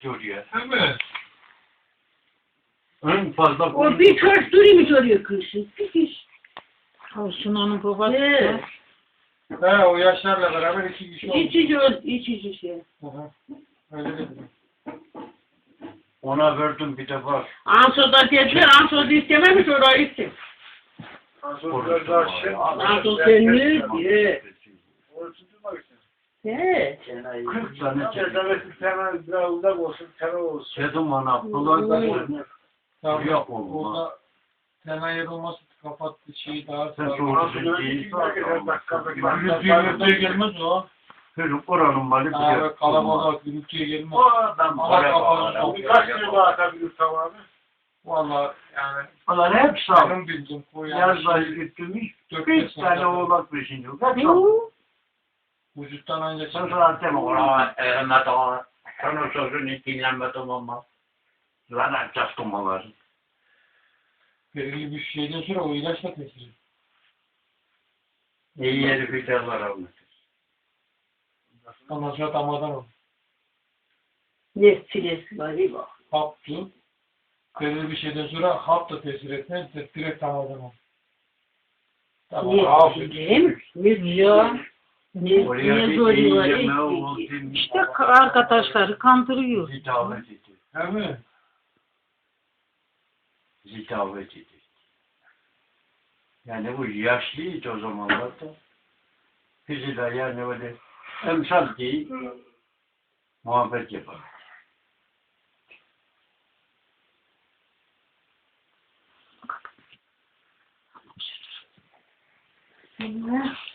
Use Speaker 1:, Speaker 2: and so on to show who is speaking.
Speaker 1: Oraya.
Speaker 2: Evet.
Speaker 1: En fazla
Speaker 3: O bir köş duruymuş oraya kışın. Bir kış.
Speaker 4: Olsun onun babası.
Speaker 3: He.
Speaker 2: He, o yaşlarla beraber iki kişi oldu.
Speaker 3: İçici şey.
Speaker 2: Hı hı. Öyle dedim.
Speaker 1: ona verdim bir de var.
Speaker 3: Anso'da dediler, Anso'da istememiş orayı istem.
Speaker 2: Biraz daha şey.
Speaker 3: Anso senli. He. He.
Speaker 1: 40 tane çedim.
Speaker 2: Çerçevesi temel biraz uzak olsun, temel olsun.
Speaker 1: Çedim ona. Bunlar
Speaker 2: Tamam.
Speaker 1: yok oldu.
Speaker 2: Orada temel yer olması kapattı şeyi daha
Speaker 1: Sen
Speaker 2: sonra.
Speaker 1: soruyorsun değil.
Speaker 2: Gürültüye gelmez o.
Speaker 1: Çocuk oranın malı bir
Speaker 2: Abi
Speaker 1: de.
Speaker 2: kalabalık gürültüye gelmez.
Speaker 1: O adam
Speaker 2: Ama
Speaker 1: para
Speaker 2: kapalı.
Speaker 1: var.
Speaker 2: Kaç yıl daha atabilir tamamı? Valla yani
Speaker 1: Onlar hep sağ.
Speaker 2: benim bildiğim o
Speaker 1: Yazda
Speaker 2: şey,
Speaker 1: gitmiş.
Speaker 2: 4-5
Speaker 1: Bir tane
Speaker 2: sene
Speaker 1: oğlak peşinde. Kaç
Speaker 2: vücuttan ancak
Speaker 1: sen sana deme ona Mehmet Ağa. Sen o sözünü dinlenmeden olmaz. Zaten çaskınmalar.
Speaker 2: belirli bir şeyden sonra o ilaçla tesir.
Speaker 1: İyi yeri bir de var abi.
Speaker 2: Ondan sonra damardan olur.
Speaker 3: Ne filesi var iyi bak.
Speaker 2: Haptı. Belirli bir şeyden sonra hap da tesir etmez. Direkt damardan olur. Tamam.
Speaker 3: Ne
Speaker 2: Abi.
Speaker 3: filem? Ne
Speaker 4: Ya.
Speaker 3: Ne
Speaker 1: Oraya
Speaker 3: ne
Speaker 1: bir
Speaker 3: zor
Speaker 1: iyi
Speaker 3: var.
Speaker 1: yeme oldu.
Speaker 4: İşte arkadaşları kandırıyor.
Speaker 1: Zitavet etti.
Speaker 2: Değil mi?
Speaker 1: Zitavet etti. Yani bu yaşlıydı o zamanlarda. Bizi de yani öyle emsal değil, muhabbet yapar.
Speaker 4: Allah.